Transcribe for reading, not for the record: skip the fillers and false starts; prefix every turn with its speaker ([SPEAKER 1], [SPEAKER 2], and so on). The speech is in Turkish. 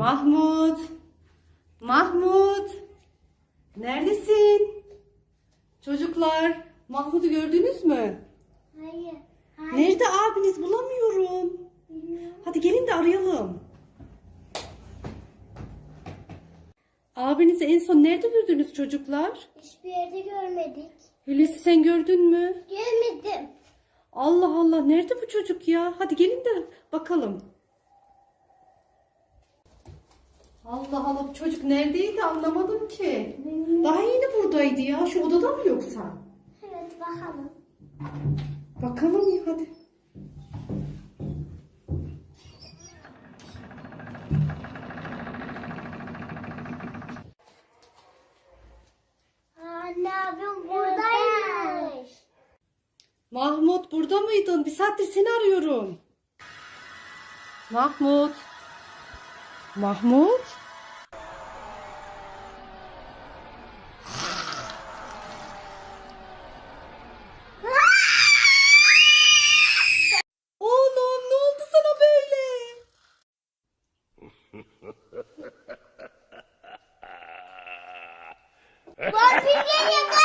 [SPEAKER 1] Mahmut. Mahmut. Neredesin? Çocuklar, Mahmut'u gördünüz mü?
[SPEAKER 2] Hayır.
[SPEAKER 1] Nerede abiniz? Bulamıyorum.
[SPEAKER 2] Bilmiyorum.
[SPEAKER 1] Hadi gelin de arayalım. Abinizi en son nerede gördünüz çocuklar?
[SPEAKER 2] Hiçbir yerde görmedik.
[SPEAKER 1] Hulusi sen gördün mü?
[SPEAKER 2] Görmedim.
[SPEAKER 1] Allah Allah, nerede bu çocuk ya? Hadi gelin de bakalım. Allah Allah, bu çocuk neredeydi anlamadım ki. Daha yeni buradaydı ya. Şu odada mı yoksa?
[SPEAKER 2] Evet, bakalım.
[SPEAKER 1] Bakalım ya hadi.
[SPEAKER 2] Anne abim buradaymış.
[SPEAKER 1] Mahmut burada mıydın? Bir saattir seni arıyorum. Mahmut. Mahmut. Oğlum ne oldu sana böyle?
[SPEAKER 2] Vampir geliyor.